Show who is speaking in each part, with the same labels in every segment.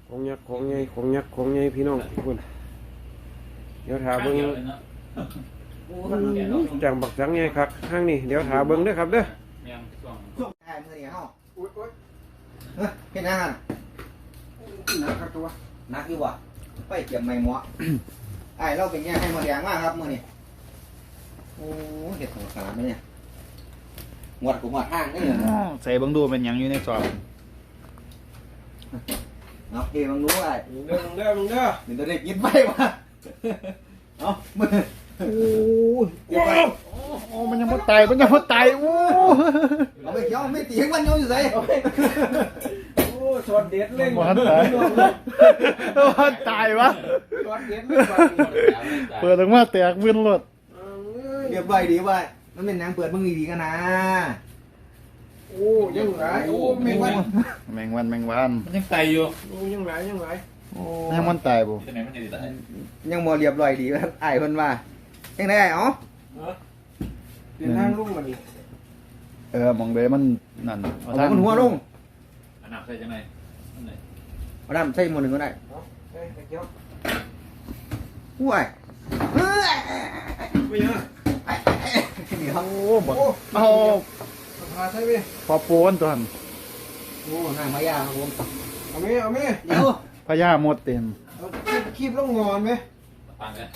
Speaker 1: ของยักษ์ของใหญ่ของยักษ์ของใหญ่พี่น้องทุกคนเดี๋ยวถาเบิ้งจังบักจังใหญ่ครับข้างนี้เดี๋ยวถาเบิ้งเด้อครับเด้อ
Speaker 2: ช่วงท้ายมือนี่เฮาเป็นอาหาร
Speaker 1: หนักครับตัว
Speaker 2: หนักอยู่บ่ไปเก็บไม้หมอไอ้เราเป็นแง่ให้มาแดงมากครับมื้อนี้โอ้เฮ็ดของขนาดนี้เนี่ยหมดกูหมดห้างนี่เหรอ
Speaker 3: ใส่เบิ่งดูเป็นหยังอยู่ในซอง
Speaker 2: เอาเกบังรู้ไอ้
Speaker 1: มึงเด้อมึงเด้อมึงเด้อ
Speaker 2: เดี๋ยวเด็กกินไปวะเอามือ
Speaker 1: โอ้
Speaker 2: ยเก็บไป
Speaker 3: โอ้มันยังบ่ตายมันยังบ่ตายโอ้
Speaker 2: เอาไปเกี่ยวไม่ตีมันอยู่ไส
Speaker 1: โอ้ช็อตเด็ดเล่น
Speaker 3: บ่ทันตายบ่ทันตายวะ
Speaker 1: ช็อตเด็ดเล่น
Speaker 3: เปิดออกมาแตกมึนรถ
Speaker 2: เก็บไว้ดีไว้มันเป็นหยังเปิดมึงดีๆกันนะ
Speaker 1: โอ้ยังหลายโอ้แมงวัน
Speaker 3: แมงวัน
Speaker 4: มันยังไตอยู่
Speaker 1: โอ้ยังหลายยังหลาย
Speaker 3: โอ้ยังมันตายบ่
Speaker 4: ที่ไหนมันจะตาย
Speaker 2: ยังบ่เรียบร้อยดีครับอ้ายเพิ่นว่าจังได๋อ๋อ
Speaker 1: เดินทางลุ่มมาดิ
Speaker 3: มองเด้มันนั่น
Speaker 2: เอามันหัวลง
Speaker 4: อันนับใส่จังไง
Speaker 2: เอาน้ำใส่หมดนึงก็ได้
Speaker 1: เฮ้ยเกี่ยว
Speaker 2: อุ้ย
Speaker 1: ไม่เยอะ
Speaker 2: นี่ครับ
Speaker 3: โอ้บ่เอา
Speaker 1: พาใช่ไหม
Speaker 3: พอโปนตัวหั่น
Speaker 2: โอ้นางมายาครับผม
Speaker 1: เอาไหมเอาไหม
Speaker 2: เดี๋ยว
Speaker 3: พญาหมดเต็ม
Speaker 1: คีบลงงอนไหม
Speaker 4: ปังเลย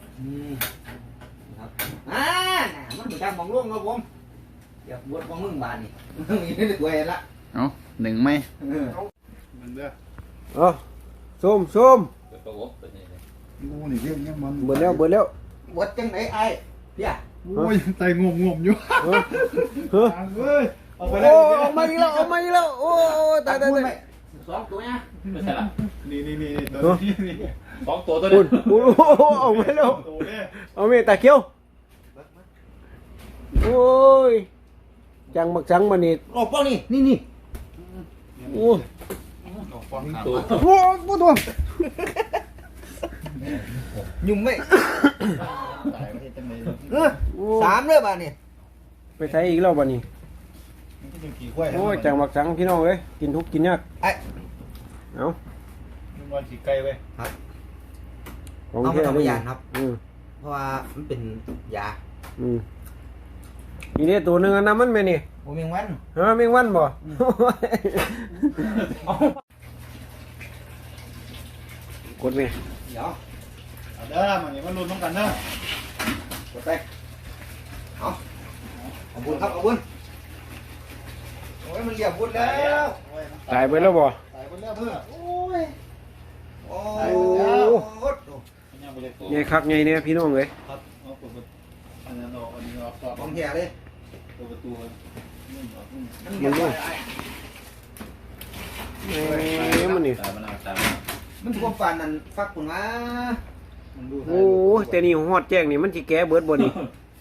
Speaker 2: ครับมันเหมือนการมองล่วงครับผมอย่าบวชของมึงบานนี่มึงนี่ได้ตัวเองละ
Speaker 3: เอาหนึ่งไหมมันเด้อ
Speaker 1: ส้มส้ม
Speaker 4: ตัววบตัวนี้เลย
Speaker 3: โอ้นี่เรื่องยังมัน
Speaker 1: เบิดแล้วเบิดแล้ว
Speaker 2: บวชจังไหนไอ้พี่อ่ะ
Speaker 3: โอ้ยไตงมอยู่
Speaker 1: เฮ้ย
Speaker 3: เอาไปแล้ว
Speaker 1: เอามาอีกแล้วเอามาอีกแล้วโอ้ตาย
Speaker 2: สองตัวเนี่ย
Speaker 4: ไม่ใช่ละ
Speaker 3: นี่
Speaker 4: สองตัวนี้
Speaker 1: โอ้เอาไม่แล้วเอาไม่ตาเขียวโอ้ยจังบักจังมานี่
Speaker 2: ออกป้องนี่
Speaker 1: โอ้
Speaker 4: ตัว
Speaker 1: โอ้ปูตัว
Speaker 2: ยุ่มไม่
Speaker 3: ตายไม่ใช่จังเลย
Speaker 2: 3เลยบ้านนี่
Speaker 1: ไปใช้อีกแล้วบ้านี้โอ้ยจังบักจังพี่น้องเอ้ยกินทุกกินยากเอา
Speaker 3: มันวันสีไก่เว้ย
Speaker 2: ครับเอามาทำยาครับเพราะว่ามันเป็นยา
Speaker 1: อีนี่ตัวหนึ่งน้ำมันไหมนี่
Speaker 2: โมเมงวัน
Speaker 1: แมงวันบ่กดไหม
Speaker 2: เดี๋ยว
Speaker 3: เด้อมันนี่มันลุ้นต้องกันเด้อก
Speaker 2: ดไปเอาบุญครับเอาบุญโอ้ยมันเรียบบุญแล้ว
Speaker 1: ตายไปแล้วบ่
Speaker 3: ตายไปแล้วเพื่อโอ้ย
Speaker 1: ไงครับไงเนี่ยพี่น้องเลย
Speaker 3: ครับเอาเปิดอันนั้นออกอันนี้ออก
Speaker 2: ของแท้เลย
Speaker 3: เปิดประตู
Speaker 1: มันดูมันนี่
Speaker 2: มันท่วมปานนั่นฟักปุ่นมา
Speaker 1: โอ้แต่นี่หอดแจ้งนี่มันสิแก้เบิดบ่นี่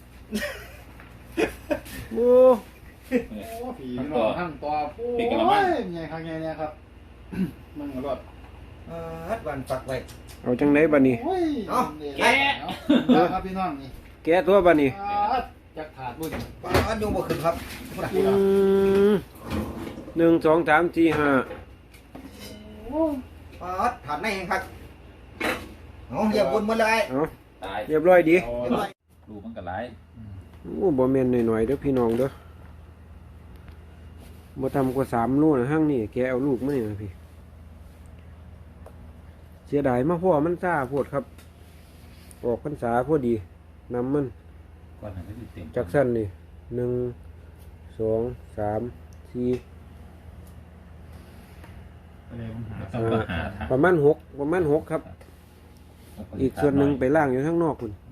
Speaker 1: โอ้
Speaker 3: ผีทั้งตัวโอ้ยไงครับไงเนี่ยครับมันกระโดด
Speaker 2: วันฝักไว้
Speaker 1: เอาจังไดบัดนี้
Speaker 2: เอา
Speaker 3: แกะครับพี่น้องนี่
Speaker 1: แกะตัวบัดนี้
Speaker 3: จักถาดบุญ
Speaker 2: ป้าโยงบ่ขึ้นครับ
Speaker 1: 1 2 3 4 5
Speaker 2: ป้าถาดในเองครับเอาเรียบบุญหมดเลย
Speaker 4: ตาย
Speaker 1: เรียบร้อยดี
Speaker 4: ดูมันกระไร
Speaker 1: โอ้บ่แม่นหน่อยๆเด้อพี่น้องเด้อบ่ทำกว่า3 ลูกนะห้างนี่แกเอาลูกมานี่นะพี่เสียดายมาพ่อมันซ่าโพดครับออกพรรษาพอดีนำมันจากสั้นนี่1 2 3 4ประมาณ6ครับอีกส่วนหนึ่งไปล่างอยู่ข้างนอกคุณ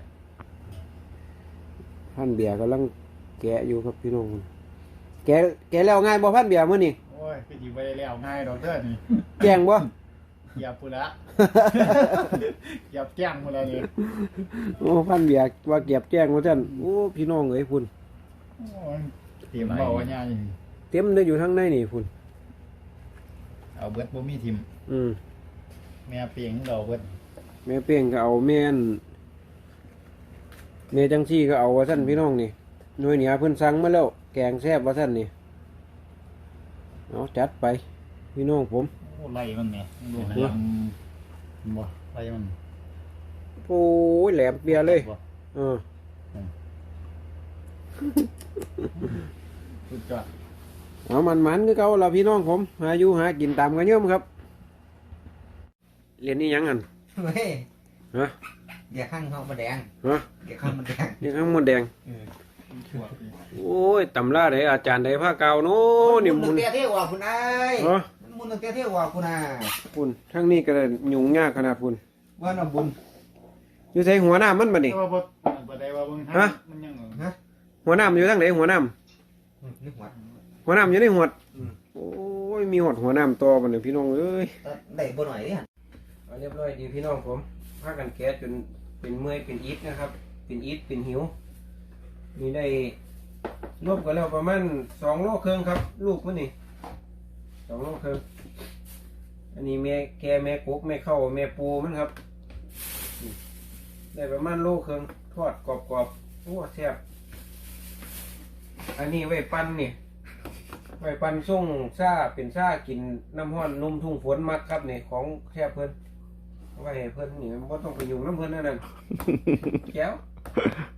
Speaker 1: พันเบียร์กำลังแกะอยู่ครับพี่น้องคุณแกะแล้วง่ายบ่พันเบียร์มื้อนี่
Speaker 3: โอ้ยคือสิบ่ได้แล้วง่ายดอกเด้อนี่
Speaker 1: แจ้งบ่
Speaker 3: อย่าพูดละอย่าแจ้งพุ่นละนี่
Speaker 1: โอ้พันเบียร์ว่าเก็บแจ้งว่าซั่นโอ้พี่น้องเอ้ยพุ่น
Speaker 3: โอ้ยเตรียมเว้าว่าหยังนี่
Speaker 1: เต็มได้อยู่ทางในนี่พุ่น
Speaker 3: เอาเบิดบ่มีทิ่มแม่เปียงเราเบิด
Speaker 1: แม่เป้งก็เอาแม่จังซี่ก็เอาว่าซั่นพี่น้องนี่หน่วยเหนือเพิ่นสั่งมาแล้วแกงแซ่บว่าซั่นนี่เอาจัดไปพี่น้องผม
Speaker 3: โอ้โอ้ไล่มันเนี่ยดูนะบ่ไล่มัน
Speaker 1: โอ้ยแหลมเปียเลยเออ
Speaker 3: สุดยอด
Speaker 1: เอามันคือเก่าเราพี่น้องผมหาอยู่หากินตามกันเยอะมั้งครับเรียนนี่ยังกัน
Speaker 2: เฮ้ย
Speaker 1: ฮะ
Speaker 2: เดี๋ยวข้างเขามาแดง
Speaker 1: ฮะ
Speaker 2: เดี๋ยวข้างมันแดง
Speaker 1: นี่ข้างมดแดงโอ้ยตำราไหนอาจารย์ไหนผ้าเก่าโน้นี่
Speaker 2: มุ
Speaker 1: มุ
Speaker 2: น
Speaker 1: น
Speaker 2: เตี้ยเที่ยวว่าคุณนาย
Speaker 1: ฮะ
Speaker 2: มุนเตี้ยเที่ยวว่าคุณนาย
Speaker 1: คุณทั้งนี้ก็ยุ่งยากขนาดคุณ
Speaker 2: ว่าน้ำบุญ
Speaker 1: อยู่ใส่หัวหน้ามันบ่นี่
Speaker 3: แต่ว่าบ่ได้ว่าเบิ่ง
Speaker 1: ฮะ
Speaker 3: มันยัง
Speaker 1: หัวหน้ามันอยู่ทั้งไหนหัวหน้า
Speaker 2: นี่หัว
Speaker 1: หัวหน้าอยู่ในหัวดโอ้ยมีหอดหัวหน้าต่อบ่เนี่ยพี่น้องเอ้ย
Speaker 2: ได้บ่หน่อยเนี่ย
Speaker 1: เรียบร้อยดีพี่น้องผมพากันแก๊สจนเป็นเมื่อยเป็นอิดนะครับ เป็นอิดเป็นหิวนี่ได้รวบกันแล้วประมาณ2 โลครึ่งครับ ลูกมันนี่2 โลครึ่งอันนี้แม่แกแม่กุ๊กแม่เข้าแม่ปูมันครับนี่ได้ประมาณโลครึ่งทอดกรอบๆโอ้แซ่บอันนี้ไว้ปั้นนี่ไว้ปั้นส่งซ่าเป็นซ่ากินน้ำห้อนนุ่มทุ่งฝนมักครับนี่ของแซ่บเพิ่นไว้ให้เพิ่นนี่บ่ต้องไปยุ่งน้ำเพิ่นนั่นน่ะแก้ว